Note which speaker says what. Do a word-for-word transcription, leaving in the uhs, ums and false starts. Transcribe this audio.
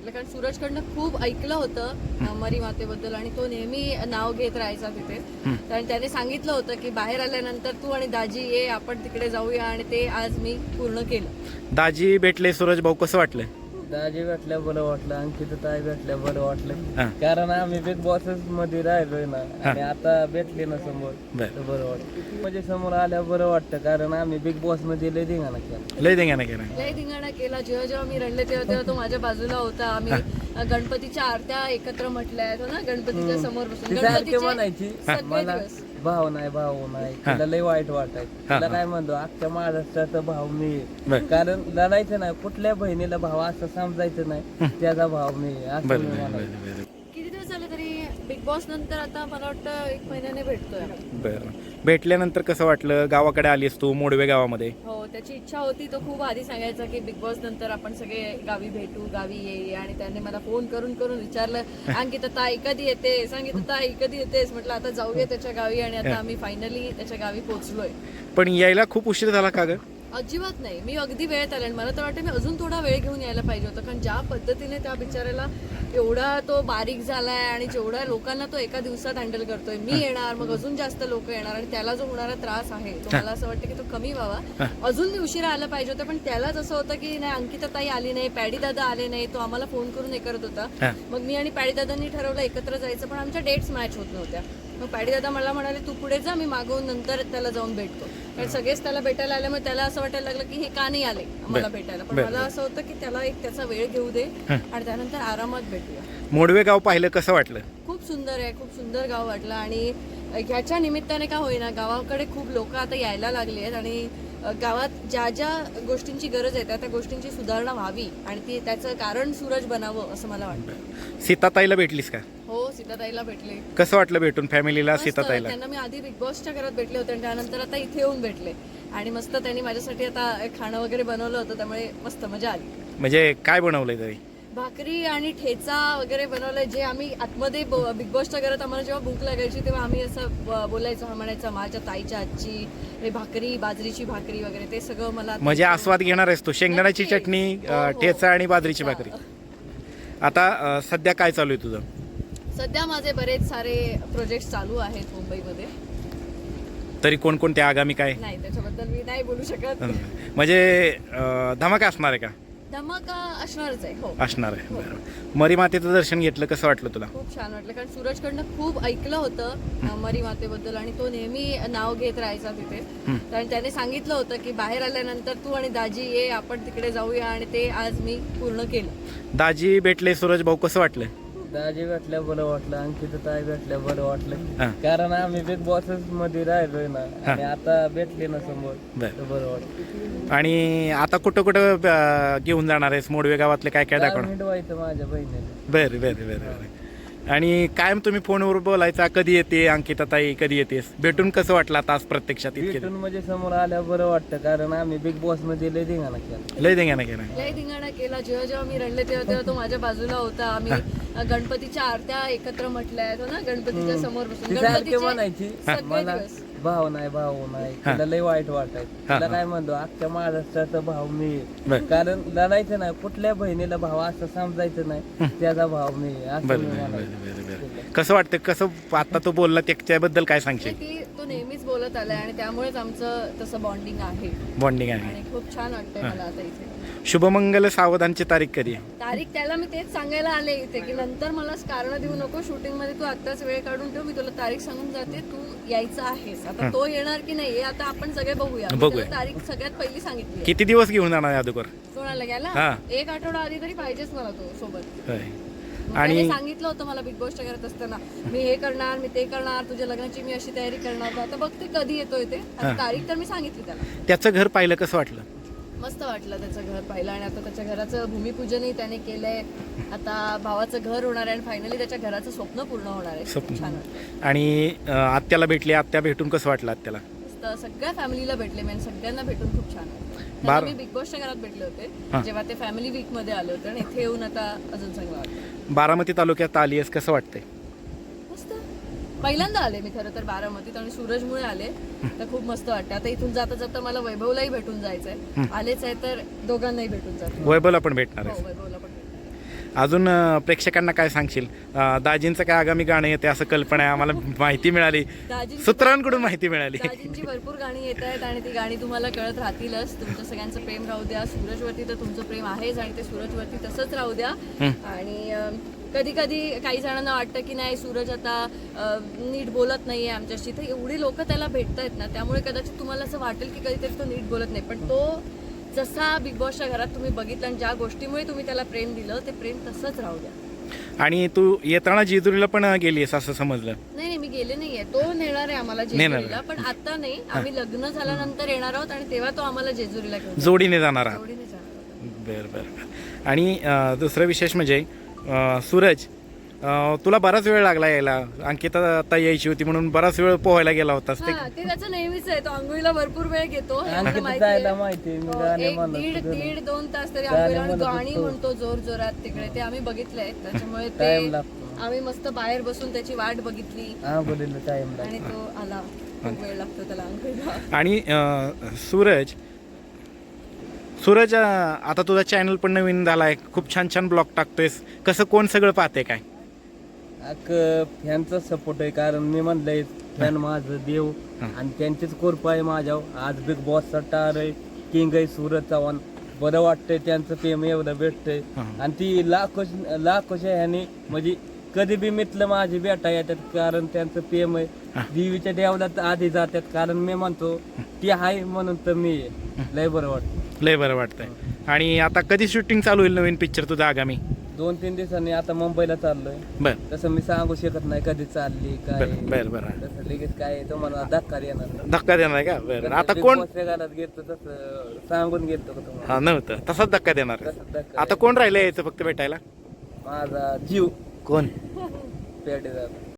Speaker 1: वाटलं, कारण सूरजकडनं खूप ऐकलं होतं मरी मातेबद्दल आणि तो नेहमी नाव घेत राहायचा तिथे. कारण त्याने सांगितलं होतं की बाहेर आल्यानंतर तू आणि दाजी ये, आपण तिकडे जाऊया, आणि ते आज मी पूर्ण केलं.
Speaker 2: दाजी भेटले, सूरज भाऊ कसं वाटलं?
Speaker 3: दाजी भेटल्या बरं वाटलं, अंकिता ताई भेटल्या बरं
Speaker 2: हा.
Speaker 3: वाटलं, कारण आम्ही बिग बॉसेस मध्ये राहिलोय ना आणि आता भेटले ना समोर
Speaker 2: बर.
Speaker 3: तर बरं वाटतं. म्हणजे समोर आल्या बरं वाटतं, कारण आम्ही बिग बॉस मध्ये लय धिंगाणा केला.
Speaker 2: लय देंगा केला.
Speaker 1: लय धिंगाणा केला. जेव्हा जेव्हा मी रडले तेव्हा तेव्हा तो माझ्या बाजूला होता. आम्ही गणपतीच्या आरत्या एकत्र म्हटल्या हो ना, गणपतीच्या समोर बसून.
Speaker 3: ती सारखी म्हणायची
Speaker 1: सगळे
Speaker 3: मला
Speaker 1: दिवस
Speaker 3: भाऊ नाही भाऊ नाही, तिला लय वाईट वाटायचं. तिला काय म्हणतो, अख्ख्या महाराष्ट्राचा भाऊ मी आहे. कारण लढायचं नाही, कुठल्या बहिणीला भाऊ असं समजायचं नाही, त्याचा भाऊ मी आहे, असं
Speaker 2: बरं
Speaker 3: मी
Speaker 2: बरं
Speaker 3: म्हणायचो.
Speaker 2: बरं
Speaker 1: किती दिवस झाले तरी बिग बॉस नंतर आता मला वाटतं एक महिन्याने भेटतोय.
Speaker 2: बरं. भेटल्यानंतर कसं वाटलं? गावाकडे आलीस तू, मोडवे गावामध्ये.
Speaker 1: हो, त्याची इच्छा होती. तो खूप आधी सांगायचा की बिग बॉस नंतर आपण सगळे गावी भेटू, गावी ये, आणि त्याने मला फोन करून करून विचारलं, अंकिता ताई कधी येतेस, अंकिता ताई कधी येतेस. म्हटलं आता जाऊया त्याच्या गावी, आणि आता आम्ही फायनली त्याच्या गावी पोहोचलोय.
Speaker 2: पण यायला खूप उशीर झाला का ग?
Speaker 1: अजिबात नाही, मी अगदी वेळेत आले. आणि मला तर वाटतं मी अजून थोडा वेळ घेऊन यायला पाहिजे होतं, कारण ज्या पद्धतीने त्या बिचाऱ्याला एवढा तो बारीक झालाय आणि जेवढ्या लोकांना तो एका दिवसात हँडल करतोय. मी येणार, मग अजून जास्त लोक येणार, आणि त्याला जो होणारा त्रास आहे तो मला असं वाटतं की तो कमी व्हावा. अजून मी उशिरा आला पाहिजे होतं, पण त्यालाच असं होतं की नाही, अंकिता ताई आली नाही, पॅडी दादा आले नाही. तो आम्हाला फोन करून हे करत होता. मग मी आणि पॅडी दादांनी ठरवलं एकत्र जायचं, पण आमच्या डेट्स मॅच होत नव्हत्या. मग पॅडी दादा मला म्हणाले तू पुढे जा, मी मागवून नंतर त्याला जाऊन भेटतो. कारण सगळेच त्याला भेटायला आल्यामुळे त्याला असं वाटायला लागलं की हे का नाही आले मला भेटायला. पण मला असं होतं की त्याला एक त्याचा वेळ घेऊ दे आणि त्यानंतर आरामात भेटूया.
Speaker 2: मोडवे गाव पाहिलं, कसं वाटलं?
Speaker 1: खूप सुंदर आहे, खूप सुंदर गाव वाटलं. आणि ह्याच्या निमित्ताने का होईना गावाकडे खूप लोक आता यायला लागली आहेत, आणि गावात ज्या ज्या गोष्टींची गरज आहे त्या त्या गोष्टींची सुधारणा व्हावी, आणि ती त्याचं कारण सूरज बनावं असं मला वाटतं.
Speaker 2: सीताताईला भेटलीस का?
Speaker 1: हो, सीताताईला भेटले.
Speaker 2: कसं वाटलं भेटून फॅमिलीला,
Speaker 1: मस्त.
Speaker 2: सीताताईला?
Speaker 1: त्यांना मी आधी बिग बॉसच्या घरात भेटले होते आणि त्यानंतर आता इथे येऊन भेटले, आणि मस्त त्यांनी माझ्यासाठी आता खाणं वगैरे बनवलं होतं, त्यामुळे मस्त मजा आली.
Speaker 2: म्हणजे काय बनवलंय तरी?
Speaker 1: भाकरी आणि ठेचा वगैरे बनवलंय, जे आम्ही आतमध्ये बिग बॉसच्या घरात आम्हाला जेव्हा भूक लागायची तेव्हा आम्ही असं ब- बोलायचो, हा म्हणायचा माझ्या ताईच्या आजची हे भाकरी, बाजरीची भाकरी वगैरे, ते सगळं मला
Speaker 2: म्हणजे आस्वाद घेणार आहेस तू? शेंगदाण्याची
Speaker 1: नक्कीच.
Speaker 2: चटणी,
Speaker 1: हो,
Speaker 2: अं,
Speaker 1: हो.
Speaker 2: ठेचा आणि बाजरीची भाकरी. आता अं, सध्या काय चालू आहे तुझं?
Speaker 1: सध्या माझे बरेच सारे प्रोजेक्ट चालू आहेत मुंबईमध्ये.
Speaker 2: तरी कोणकोणते आगामी काय?
Speaker 1: नाही, त्याच्याबद्दल मी नाही बोलू शकत.
Speaker 2: म्हणजे अं, धमाका असणार आहे का?
Speaker 1: धमाका असणारच आहे. हो,
Speaker 2: असणार आहे. बरं. मरी मातेचं दर्शन घेतलं, कसं वाटलं तुला?
Speaker 1: खूप छान वाटलं, कारण सूरजकडनं खूप ऐकलं होतं मरी मातेबद्दल, आणि तो नेहमी नाव घेत राहायचा तिथे. कारण त्याने सांगितलं होतं की बाहेर आल्यानंतर तू आणि दाजी ये, आपण तिकडे जाऊया, आणि ते आज मी पूर्ण केलं.
Speaker 2: दाजी भेटले, सूरज भाऊ कसं वाटलं?
Speaker 3: दाजी भेटल्या बरं वाटलं, अंकिता ताई भेटल्या बरं
Speaker 2: हा.
Speaker 3: वाटलं, कारण आम्ही बिग बॉसेस मध्ये राहिलोय ना आणि आता भेटले ना समोर
Speaker 2: बरं.
Speaker 3: तर बरं वाटतं.
Speaker 2: आणि आता कुठं कुठं अं, घेऊन जाणार आहेस? मोडवे गावातले काय काय दाखवणार?
Speaker 3: मिटवायचं माझ्या बहिणीला.
Speaker 2: बरं बरं बरं बरं. आणि कायम तुम्ही फोनवर बोलायचा, कधी येते अंकिता ताई, कधी येतेस? भेटून कसं वाटलं आता आज प्रत्यक्षात? इतके
Speaker 3: भेटून म्हणजे समोर आल्या बरं वाटतं, कारण आम्ही बिग बॉस मध्ये लय धिंगाणा केला.
Speaker 2: लय देंगा केला.
Speaker 1: लय धिंगाणा केला. जेव्हा जेव्हा मी रडले तेव्हा तेव्हा तो माझ्या बाजूला होता. आम्ही गणपतीच्या आरत्या एकत्र म्हटल्या हो ना, गणपतीच्या समोर बसून.
Speaker 3: ती सारखी
Speaker 1: गणपतीचे
Speaker 3: म्हणायची
Speaker 1: सगळे
Speaker 3: मला
Speaker 1: दिवस
Speaker 3: भाऊ नाही भाऊ नाही, तिला लय वाईट वाटायचं. तिला काय म्हणतो, अख्ख्या महाराष्ट्राचा भाऊ मी आहे. कारण लढायचं नाही, कुठल्या बहिणीला भाऊ असं समजायचं नाही, त्याचा भाऊ मी आहे, असं
Speaker 2: बरं
Speaker 3: मी
Speaker 2: बरं
Speaker 3: म्हणायचो.
Speaker 2: बरं बरं बरं. कसं वाटतं? कसं आता तो बोलला त्याच्याबद्दल काय सांगशील?
Speaker 1: ती तो नेहमीच बोलत आलाय, आणि त्यामुळेच आमचं तसं बॉन्डिंग आहे,
Speaker 2: बॉन्डिंग आहे.
Speaker 1: आणि खूप छान वाटतंय मला आता इथे.
Speaker 2: शुभमंगल सावधानची तारीख कधी आहे?
Speaker 1: तारीख त्याला मी तेच सांगायला आले इथे, की नंतर मला कारण देऊ नको, शूटिंग मध्ये तू आत्ताच वेळ काढून ठेव, मी तुला तारीख सांगून जाते, तू यायचं आहेस. आता तो येणार की नाही हे आता आपण सगळे बघूया. मी
Speaker 2: बघूया.
Speaker 1: त्याला तारीख सगळ्यात पहिली सांगितली.
Speaker 2: किती दिवस घेऊन जाणार आहे अगोदर?
Speaker 1: कोणाला गेला?
Speaker 2: हा.
Speaker 1: एक आठवडा आधी तरी पाहिजेच मला तो सोबत.
Speaker 2: होय.
Speaker 1: मग
Speaker 2: आणि-
Speaker 1: त्याने सांगितलं होतं मला बिग बॉसच्या घरात असताना, मी हे करणार, मी ते करणार, तुझ्या लग्नाची मी अशी तयारी करणार. आता बघते कधी येतोय ते. आता तारीख तर मी सांगितली त्याला.
Speaker 2: त्याचं घर पाहिलं, कसं वाटलं?
Speaker 1: मस्त वाटलं त्याचं घर पाहिलं, आणि आता त्याच्या घराचं भूमिपूजनही त्याने केलंय. आता भावाचं घर होणार आहे, आणि फायनली त्याच्या घराचं स्वप्न पूर्ण होणार आहे.
Speaker 2: स्वप्न.
Speaker 1: खूप छान वाटलं.
Speaker 2: आणि अं, आत्याला भेटली, आत्या भेटून कसं वाटलं आत्याला?
Speaker 1: मस्त, सगळ्या फॅमिलीला भेटले मी, आणि सगळ्यांना भेटून खूप छान वाटलं.
Speaker 2: बार-
Speaker 1: त्यांना मी बिग बॉसच्या घरात भेटले
Speaker 2: हा.
Speaker 1: होते जेव्हा ते फॅमिली वीक मध्ये आले होते, आणि इथे येऊन आता अजून चांगलं वाटलं.
Speaker 2: बारामती तालुक्यात आली आहेस, कसं वाटतंय?
Speaker 1: मस्त, पहिल्यांदा आले मी खरं तर बारामतीत, आणि सूरजमुळे आले तर खूप मस्त वाटतं. आता इथून जाता जाता मला वैभवलाही भेटून जायचंय. आलेच आहे तर दोघांनाही भेटून जातो.
Speaker 2: वैभवला पण भेटणार
Speaker 1: हो,
Speaker 2: आहे.
Speaker 1: वैभवला पण भेटणार.
Speaker 2: अजून अं, प्रेक्षकांना काय सांगशील? अं, दाजींचं काय आगामी गाणं येते असं कल्पना आहे, आम्हाला माहिती मिळाली,
Speaker 1: दाजींची
Speaker 2: सूत्रांकडून माहिती मिळाली.
Speaker 1: दाजींची भरपूर गाणी येत आहेत आणि ती गाणी तुम्हाला कळत राहतीलच. तुमचं सगळ्यांचं प्रेम राहू द्या. सूरजवरती तर तुमचं प्रेम आहेच आणि ते सूरजवरती तसंच राहू द्या. आणि कधी कधी काही जणांना वाटतं की नाही सूरज आता अं, नीट बोलत नाहीये आमच्याशी, तर एवढी लोक त्याला भेटत आहेत ना, त्यामुळे कदाचित तुम्हाला असं वाटेल की कधीतरी तो नीट बोलत नाही, पण तो जसा बिग बॉसच्या घरात तुम्ही बघितलं आणि ज्या गोष्टीमुळे तुम्ही त्याला प्रेम दिलं ते प्रेम तसंच राहू द्या.
Speaker 2: आणि तू येताना जेजुरीला पण गेलीस असं समजलं?
Speaker 1: नाही नाही, मी गेले नाहीये. तो नेणार आहे आम्हाला
Speaker 2: नेणार
Speaker 1: जेजुरीला, पण आता नाही. आम्ही लग्न झाल्यानंतर येणार आहोत आणि तेव्हा तो आम्हाला जेजुरीला घेऊन जाईल.
Speaker 2: जोडीने जाणार आहात?
Speaker 1: जोडीने जाणार आहोत.
Speaker 2: बरं बरं बरं. आणि अं, दुसरं विशेष म्हणजे अं, सूरज, अं, तुला बराच वेळ लागला यायला. अंकिता ताई यायची होती म्हणून बराच वेळ पोहायला गेला होतास ते.
Speaker 1: हा, ते त्याचं नेहमीच आहे. तो आंघोळीला भरपूर वेळ घेतो हे मला
Speaker 3: आणखी
Speaker 1: माहिती
Speaker 3: जायला
Speaker 1: आहे.
Speaker 3: माहिती आहे, मी
Speaker 1: हो,
Speaker 3: गाणे
Speaker 1: एक
Speaker 3: म्हणत
Speaker 1: दीड
Speaker 3: होतो.
Speaker 1: दीड दोन तास तरी
Speaker 3: गाणे
Speaker 1: आंघोळीला आणि
Speaker 3: म्हणत
Speaker 1: गाणी
Speaker 3: होतो.
Speaker 1: म्हणतो जोर जोरात तिकडे. ते आम्ही बघितलंय, त्याच्यामुळे
Speaker 3: टाइम
Speaker 1: ते
Speaker 3: लागतो.
Speaker 1: आम्ही मस्त बाहेर बसून त्याची वाट बघितली
Speaker 3: आंघोळीला टाइम
Speaker 1: आणि
Speaker 3: लागतो.
Speaker 1: तो आला. खूप वेळ लागतो त्याला आंघोळीला.
Speaker 2: आणि अं, सूरज सूरज अं, आता तुझा चॅनल पण नवीन झाला आहे, खूप छान छान ब्लॉग टाकतोयस. कसं कोण सगळं पाहते काय?
Speaker 3: अक फॅनचा सपोर्ट आहे, कारण मी म्हणलंय फॅन माझं देव आणि त्यांचीच कृपा आहे माझ्यावर. आज बिग बॉसचा स्टार आहे, किंग आहे सूरज चव्हाण. बरं वाटतंय त्यांचं प्रेम एवढं भेटतंय आणि ती लाखो लाखोच्या ह्याने म्हणजे कधी बी मितलं माझी भेटा येतात, कारण त्यांचं प्रेम आहे. देवीच्या देवळात आधी जातात, कारण मी म्हणतो ती आहे म्हणून तर मी आहे. लय बरं वाटतं.
Speaker 2: लय बरं वाटतंय. आणि आता कधी शूटिंग चालू होईल नवीन पिक्चर तुझा आगामी?
Speaker 3: दोन तीन दिवसांनी आता मुंबईला चाललोय.
Speaker 2: बरं
Speaker 3: तसं मी सांगू शकत नाही कधी चालली काय.
Speaker 2: बरं बरं बरं.
Speaker 3: तसं लगेच काय तुम्हाला धक्का येणार नाही.
Speaker 2: धक्का देणार आहे का? बरं. आता
Speaker 3: Big
Speaker 2: कोण?
Speaker 3: Boss च्या घरात गेलतो तसं सांगून गेलतो का तुम्हाला?
Speaker 2: हा नव्हतं, तसाच धक्का देणार आहे.
Speaker 3: तसंच धक्का
Speaker 2: आता कोण राहिलं यायचं फक्त भेटायला?
Speaker 3: माझा जीव
Speaker 2: कोण?
Speaker 3: पेटे जात